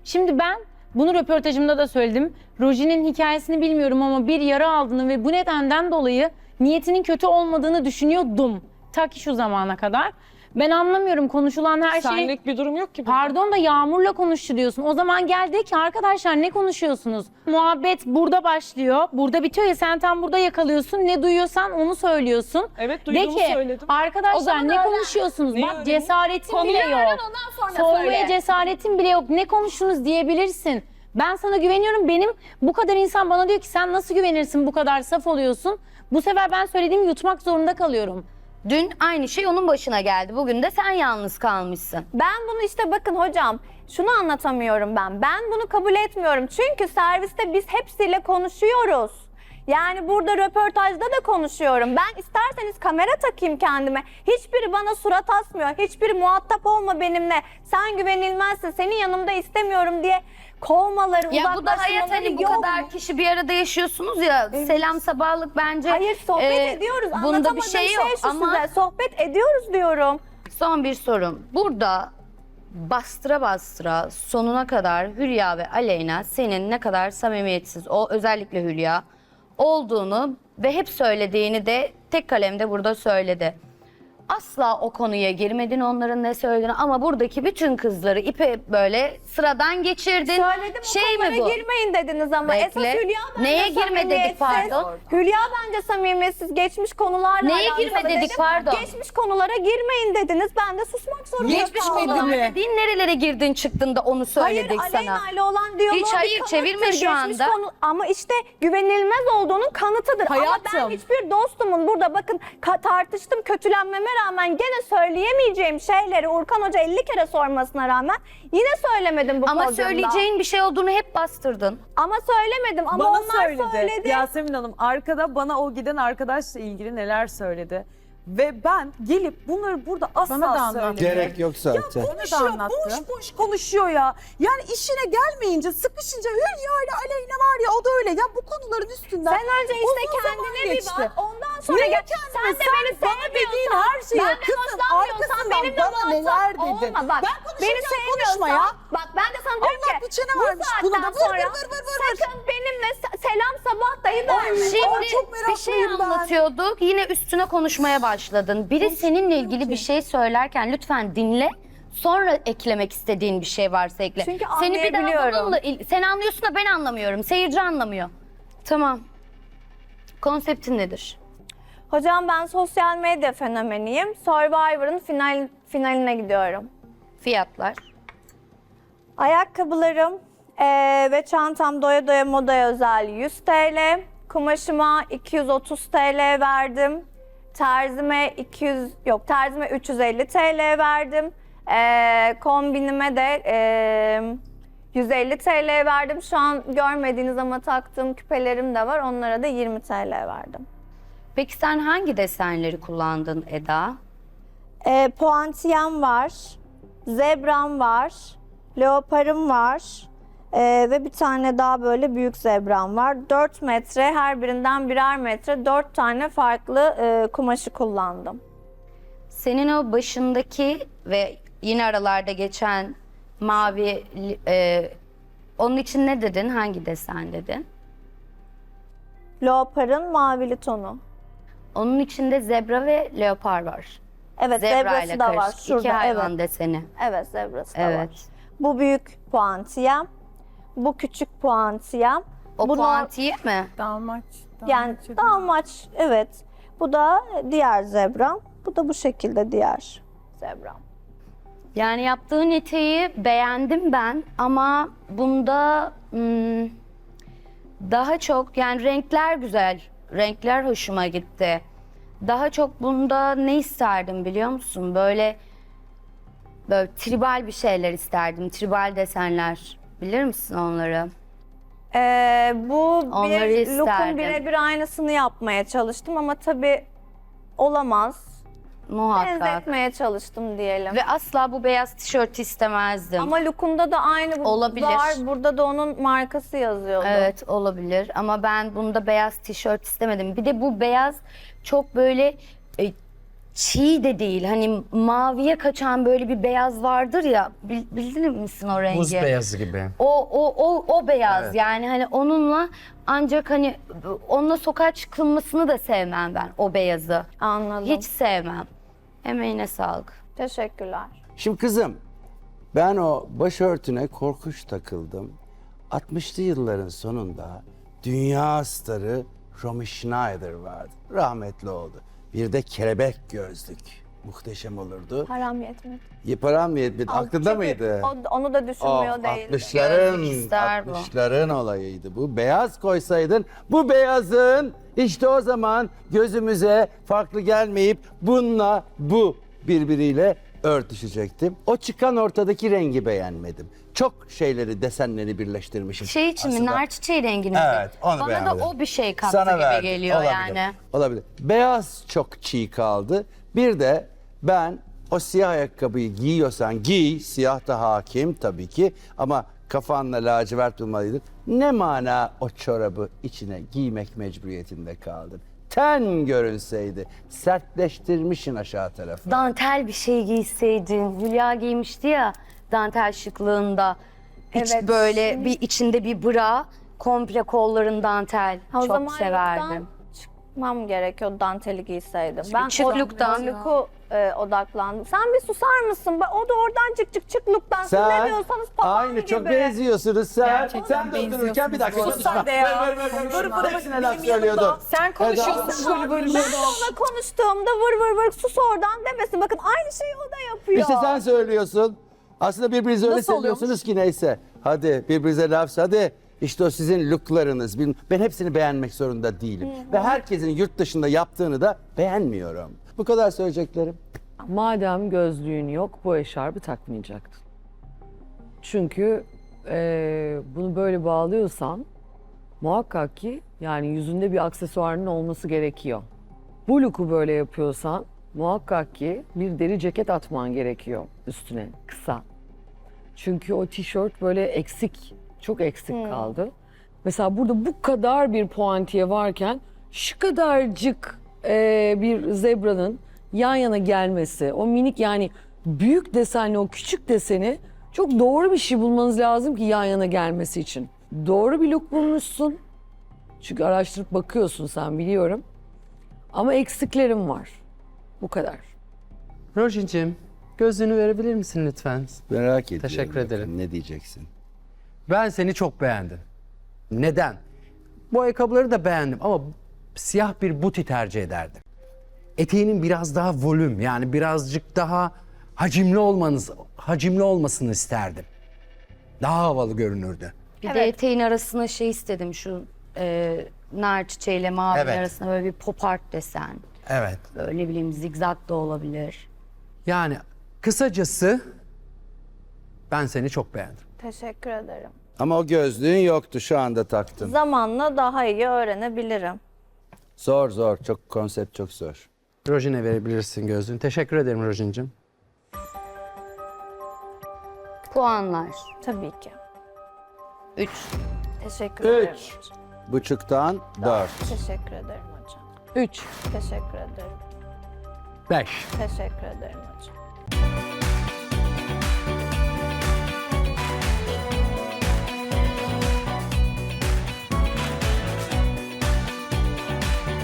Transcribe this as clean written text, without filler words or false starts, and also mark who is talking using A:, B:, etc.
A: Şimdi ben bunu röportajımda da söyledim. Roji'nin hikayesini bilmiyorum ama bir yara aldığını ve bu nedenden dolayı niyetinin kötü olmadığını düşünüyordum. Ta ki şu zamana kadar. Ben anlamıyorum konuşulan her şey.
B: Senlik bir durum yok ki burada.
A: Pardon da Yağmur'la konuştu diyorsun. O zaman gel de ki arkadaşlar ne konuşuyorsunuz? Muhabbet burada başlıyor. Burada bitiyor ya sen tam burada yakalıyorsun. Ne duyuyorsan onu söylüyorsun.
B: Evet
A: De
B: duyduğumu
A: ki
B: söyledim.
C: O
A: arkadaşlar
C: zaman
A: ne
C: öğren.
A: konuşuyorsunuz?
B: Neyi
A: Bak
B: öğreneyim?
A: cesaretin bile
C: Öğren,
A: yok.
C: ondan sonra
A: Sormaya
C: söyle.
A: cesaretin bile yok. Ne konuştunuz diyebilirsin. Ben sana güveniyorum. Benim bu kadar insan bana diyor ki sen nasıl güvenirsin bu kadar saf oluyorsun. Bu sefer ben söylediğimi yutmak zorunda kalıyorum.
D: Dün aynı şey onun başına geldi. Bugün de sen yalnız kalmışsın.
C: Ben bunu işte bakın hocam şunu anlatamıyorum ben. Ben bunu kabul etmiyorum. Çünkü serviste biz hepsiyle konuşuyoruz. Yani burada röportajda da konuşuyorum. Ben isterseniz kamera takayım kendime. Hiçbiri bana surat asmıyor. Hiçbiri muhatap olma benimle. Sen güvenilmezsin. Senin yanımda istemiyorum diye kovmaları,
D: Ya bu da hayat
C: uzaklaştırmaları
D: hani bu
C: yok
D: kadar
C: mu?
D: kişi bir arada yaşıyorsunuz ya. Selam sabahlık bence.
C: Hayır sohbet ediyoruz.
D: Bunda bir
C: Anlatamadığım
D: şey yok
C: şu
D: ama
C: size. Sohbet ediyoruz diyorum.
D: son bir sorum. Burada bastıra bastıra sonuna kadar Hülya ve Aleyna senin ne kadar samimiyetsiz, o özellikle Hülya olduğunu ve hep söylediğini de tek kalemde burada söyledi. Asla o konuya girmedin onların ne söylediğini ama buradaki bütün kızları ipe böyle sıradan geçirdin.
C: Söyledim o konulara girmeyin dediniz ama
D: Bekle.
C: esas Hülya bence
D: Neye girme dedik,
C: samimiyetsiz.
D: pardon?
C: Hülya bence samimiyetsiz. Geçmiş konularla
D: Neye
C: alakalı
D: girme dedik,
C: dedim.
D: pardon?
C: Geçmiş konulara girmeyin dediniz. Ben de susmak zorunda
D: Geçmiş
C: kaldım.
D: konular dediğin nerelere girdin çıktın da onu söyledik
C: Hayır,
D: sana.
C: Aleyna ile olan diyaloğu
D: Hiç hayır,
C: bir kanıttır.
D: çevirme şu
C: Geçmiş
D: anda.
C: ama işte güvenilmez olduğunun kanıtıdır. Ama ben
B: Hayatım.
C: hiçbir dostumun burada bakın tartıştım kötülenmeme rağmen gene söyleyemeyeceğim şeyleri Urkan Hoca 50 kere sormasına rağmen yine söylemedim bu
D: Ama
C: podyumda.
D: söyleyeceğin bir şey olduğunu hep bastırdın.
C: Ama söylemedim ama
E: Bana
C: onlar söyledi.
E: Yasemin Hanım arkada bana o giden arkadaşla ilgili neler söyledi. Ve ben gelip bunları burada asla söylemedim.
F: Gerek yok zaten.
E: Konuşuyor, boş boş konuşuyor ya. Yani işine gelmeyince, sıkışınca Hülya ile Aleyna var ya o da öyle. Ya bu konuların üstünden
C: Sen önce işte
E: uzun zaman
C: kendine bir
E: geçti.
C: bak. Ondan sonra
E: Neye
C: gel.
E: kendime?
C: Sen de beni
E: bana dediğin
C: sevmiyorsan,
E: her şeyi
C: benden
E: kızın
C: hoşlanmıyorsan
E: arkasından
C: benimle
E: bana neler
C: muhatap
E: dedin.
C: olma. Bak,
E: Ben konuşurken
C: beni sevmiyorsan,
E: konuşma ya.
C: bak ben de sana diyorum
E: Allah
C: ki
E: bir çene
C: bu
E: vermiş
C: saatten
E: buna da. Vır
C: sonra
E: vır vır vır vır.
C: sakın benimle selam sabah dahi verme.
D: Şimdi
E: çok
D: bir şey
E: meraklıyım ben.
D: anlatıyorduk. Yine üstüne konuşmaya başladın. Biri seninle ilgili bir şey söylerken lütfen dinle. Sonra eklemek istediğin bir şey varsa ekle.
C: Çünkü
D: Seni bir daha
C: anlayabiliyorum.
D: bununla sen anlıyorsun da ben anlamıyorum. Seyirci anlamıyor. Tamam. Konseptin nedir?
C: Hocam ben sosyal medya fenomeniyim. Survivor'ın finaline gidiyorum.
D: Fiyatlar.
C: Ayakkabılarım ve çantam doya doya modaya özel 100 TL. Kumaşıma 230 TL verdim. Terzime 350 TL verdim. Kombinime de 150 TL verdim. Şu an görmediğiniz ama taktığım küpelerim de var. Onlara da 20 TL verdim.
D: Peki sen hangi desenleri kullandın Eda?
C: Puantiyem var. Zebram var. Leoparım var. Ve bir tane daha böyle büyük zebram var. 4 metre, her birinden birer metre, 4 tane farklı kumaşı kullandım.
D: Senin o başındaki ve yine aralarda geçen mavi, onun için ne dedin? Hangi desen dedin?
C: Leoparın mavili tonu.
D: Onun içinde zebra ve leopar var.
C: Evet,
D: Zebra
C: zebrası
D: ile
C: da var
D: karışık. İki
C: şurada.
D: hayvan
C: Evet.
D: deseni.
C: Evet, zebrası da
D: Evet.
C: var. Bu büyük puantiyem. Bu küçük puantiyem.
D: O
C: Buna-
D: puantiye mi?
C: Yani dalmaç, evet. Bu da diğer zebram. Bu da bu şekilde diğer zebram.
D: Yani yaptığın eteği beğendim ben ama bunda daha çok yani renkler güzel. Renkler hoşuma gitti. Daha çok bunda ne isterdim biliyor musun? Böyle tribal bir şeyler isterdim. Tribal desenler. Bilir misin onları?
C: Bu
D: Onları
C: bir
D: isterdim.
C: look'un birebir aynısını yapmaya çalıştım ama tabii olamaz.
D: Muhakkak.
C: Benzetmeye çalıştım diyelim.
D: Ve asla bu beyaz tişört istemezdim.
C: Ama look'unda da aynı
D: Olabilir.
C: var. Burada da onun markası yazıyordu.
D: Evet olabilir ama ben bunda beyaz tişört istemedim. Bir de bu beyaz çok böyle çiğ de değil. Hani maviye kaçan böyle bir beyaz vardır ya. Bildin misin o rengi?
B: Buz beyazı gibi.
D: O beyaz
B: Evet.
D: yani hani onunla ancak hani onunla sokağa çıkılmasını da sevmem ben o beyazı.
C: Anladım.
D: Hiç sevmem. Emeğine sağlık.
C: Teşekkürler.
F: Şimdi kızım, ben o başörtüne korkunç takıldım. 60'lı yılların sonunda dünya starı Romy Schneider vardı. Rahmetli oldu. Bir de kelebek gözlük. Muhteşem olurdu.
C: Param yetmedi.
F: Param mı yetmedi? Aklında
C: Çünkü
F: mıydı?
C: Onu da düşünmüyor değil.
F: 60'ların,
D: Gözlük ister bu.
F: 60'ların olayıydı bu. Beyaz koysaydın, bu beyazın işte o zaman gözümüze farklı gelmeyip bununla bu birbiriyle örtüşecektim. O çıkan ortadaki rengi beğenmedim. Çok şeyleri, desenleri birleştirmişim.
D: Şey için mi?
F: aslında.
D: Nar çiçeği rengini mi?
F: Evet, onu
D: Bana
F: beğenmedim.
D: da o bir şey kattı
F: Sana
D: gibi
F: verdim.
D: geliyor
F: Olabilir,
D: yani.
F: Olabilir. Beyaz çok çiğ kaldı. Bir de ben o siyah ayakkabıyı giyiyorsan giy, siyah da hakim tabii ki ama kafanla lacivert olmalıydın. Ne mana o çorabı içine giymek mecburiyetinde kaldın. Ten görünseydi, sertleştirmişin aşağı tarafı.
D: Dantel bir şey giyseydin. Hülya giymişti ya dantel şıklığında. Hiç
C: Evet,
D: böyle
C: şimdi-
D: bir içinde bir bra, komple kolların dantel.
C: O
D: Çok
C: zaman
D: severdim.
C: look'tan çıkmam gerekiyor, danteli giyseydim.
D: Çık
C: Ben o
D: look'tan.
C: look'u odaklandım. Sen bir susar mısın? O da oradan çık look'tan. Siz ne
F: Sen
C: diyorsanız papağan
F: aynı
C: gibi.
F: çok benziyorsunuz sen. Sen de otururken bir dakika
E: Sus
F: konuşma.
E: sen de ya. Vır vır
F: Hepsine laf
E: benim
F: söylüyordun.
E: yanımda.
A: Sen konuşuyorsun.
C: Ben de ona konuştuğumda vır sus oradan demesin. Bakın aynı şeyi o da yapıyor.
F: İşte sen söylüyorsun. Aslında birbirinize öyle
E: Nasıl
F: seviyorsunuz ki neyse. Hadi birbirinize laf hadi. İşte o sizin looklarınız. Ben hepsini beğenmek zorunda değilim. Ve herkesin yurt dışında yaptığını da beğenmiyorum. Bu kadar söyleyeceklerim.
G: Madem gözlüğün yok, bu eşarbı takmayacaktın. Çünkü bunu böyle bağlıyorsan muhakkak ki yani yüzünde bir aksesuarının olması gerekiyor. Bu look'u böyle yapıyorsan muhakkak ki bir deri ceket atman gerekiyor üstüne kısa. Çünkü o tişört böyle eksik, çok eksik kaldı. Mesela burada bu kadar bir puantiye varken şu kadarcık bir zebranın yan yana gelmesi, o minik yani büyük desenli o küçük deseni çok doğru bir şey bulmanız lazım ki yan yana gelmesi için. Doğru bir look bulmuşsun. Çünkü araştırıp bakıyorsun sen biliyorum. Ama eksiklerim var. Bu kadar.
B: Rojin'cim gözlüğünü verebilir misin lütfen?
F: Merak ediyorum.
B: Teşekkür ederim.
F: Bakın ne diyeceksin?
B: Ben seni çok beğendim. Neden? Bu ayakkabıları da beğendim ama siyah bir buti tercih ederdim. Eteğinin biraz daha volüm yani birazcık daha hacimli olmasını isterdim. Daha havalı görünürdü.
D: Bir de eteğin arasına şey istedim şu nar çiçeğiyle mavi
B: Evet.
D: arasına böyle bir pop art desen.
B: Evet.
D: Böyle ne bileyim zigzag da olabilir.
B: Yani kısacası ben seni çok beğendim.
C: Teşekkür ederim.
F: Ama o gözlüğün yoktu, şu anda taktın.
C: Zamanla daha iyi öğrenebilirim.
F: Zor. Çok konsept çok zor.
B: Rojin'e verebilirsin gözlüğünü. Teşekkür ederim Rojin'cim.
D: Puanlar.
C: Tabii ki.
D: 3.
C: Teşekkür ederim.
F: 3,5'tan 4.
C: Teşekkür ederim hocam.
G: 3.
C: Teşekkür ederim.
B: 5.
C: Teşekkür ederim hocam.